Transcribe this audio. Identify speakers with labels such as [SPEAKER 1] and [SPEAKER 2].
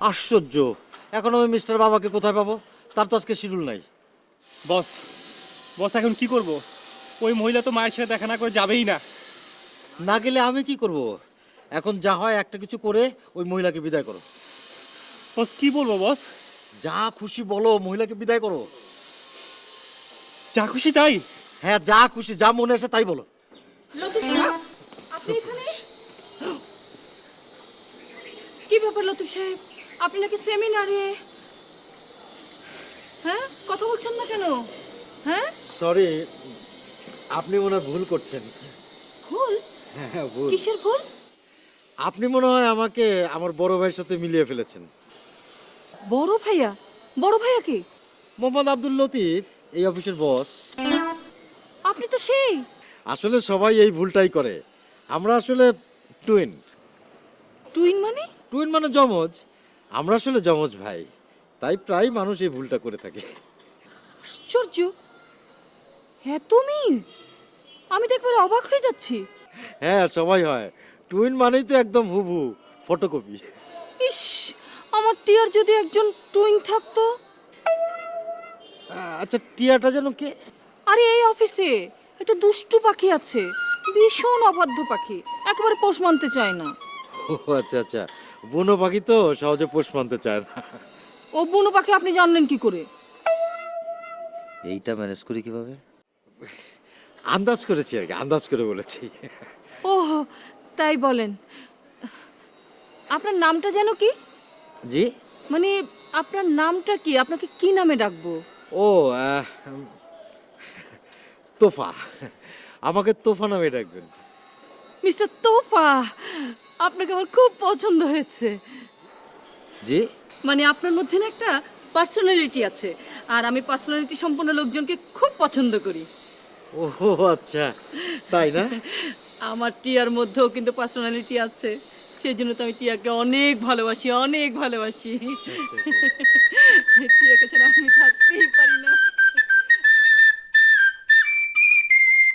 [SPEAKER 1] আশ্চর্য, এখন আমি মিস্টার বাবাকে কোথায় পাবো? তার তো আজকে শিডিউল নাই।
[SPEAKER 2] বস বস এখন কি করব? ওই মহিলা তো মায়ের সাথে দেখা না করে যাবেই না।
[SPEAKER 1] না গেলে আমি কি করব? এখন যা হয় একটা কিছু করে ওই মহিলাকে বিদায় করো।
[SPEAKER 2] বস কি বলবো বস?
[SPEAKER 1] যা খুশি বলো, মহিলাকে বিদায় করো।
[SPEAKER 2] যা খুশি তাই?
[SPEAKER 1] হ্যাঁ, যা খুশি, যা মনে আসে তাই বলো।
[SPEAKER 3] লতিফ সাহেব, আপনি এখানে? কি ব্যাপার লতিফ সাহেব, আপনি নাকি সেমিনারে? হ্যাঁ, কথা বলছেন না কেন? হ্যাঁ,
[SPEAKER 1] সরি, আপনি মনে হয় ভুল করছেন।
[SPEAKER 3] ভুল?
[SPEAKER 1] হ্যাঁ, ভুল।
[SPEAKER 3] কিসের ভুল?
[SPEAKER 1] আপনি মনে হয় আমাকে আমার বড় ভাইয়ের সাথে মিলিয়ে ফেলেছেন।
[SPEAKER 3] বড় ভাইয়া? বড় ভাইয়া কি?
[SPEAKER 1] মোহাম্মদ আব্দুল লতিফ, এই অফিসের বস।
[SPEAKER 3] আপনি তো সেই।
[SPEAKER 1] আসলে সবাই এই ভুলটাই করে। আমরা আসলে টুইন।
[SPEAKER 3] টুইন মানে?
[SPEAKER 1] টুইন মানে যমজ। আমরা আসলে যমজ ভাই, তাই প্রায় মানুষ এই ভুলটা করে থাকে।
[SPEAKER 3] আশ্চর্য, হ্যাঁ তুমি, আমি তো একবারে অবাক হয়ে যাচ্ছি।
[SPEAKER 1] হ্যাঁ, সবাই হয়। টুইন মানেই তো একদম হুবহু ফটোকপি।
[SPEAKER 3] ইস, আমার টিয়ার যদি একজন টুইন থাকতো।
[SPEAKER 1] আচ্ছা, টিয়াটা যেন কে?
[SPEAKER 3] আরে এই অফিসে একটা দুষ্টু পাখি আছে, ভীষণ অবাধ্য পাখি, একেবারে পোষ মানতে চায় না।
[SPEAKER 1] ও আচ্ছা আচ্ছা, বুনো পাখি তো সহজে পোষ মানতে চায় না।
[SPEAKER 3] ও বুনো পাখি আপনি জানলেন কি করে?
[SPEAKER 1] এইটা ম্যানেজ করি কিভাবে? আন্দাজ করেছি আর কি, আন্দাজ করে বলেছি।
[SPEAKER 3] ও তাই বলেন। আপনার নামটা যেন কি?
[SPEAKER 1] জি?
[SPEAKER 3] মানে আপনার নামটা কি? আপনাকে কি নামে ডাকবো?
[SPEAKER 1] ও তোফা, আমাকে তোফা নামে ডাকবেন।
[SPEAKER 3] মিস্টার তোফা, আপনাকে আমার খুব পছন্দ হয়েছে।
[SPEAKER 1] জি?
[SPEAKER 3] মানে আপনার মধ্যে না একটা পার্সোনালিটি আছে, আর আমি পার্সোনালিটি সম্পন্ন লোকজনকে খুব পছন্দ করি।
[SPEAKER 1] ও আচ্ছা, তাই না?
[SPEAKER 3] আমার টিয়ার মধ্যেও কিন্তু পার্সোনালিটি আছে, সেই জন্য তো আমি টিয়াকে অনেক ভালোবাসি, অনেক ভালোবাসি। টিয়াকে ছাড়া আমি থাকতেই পারি না।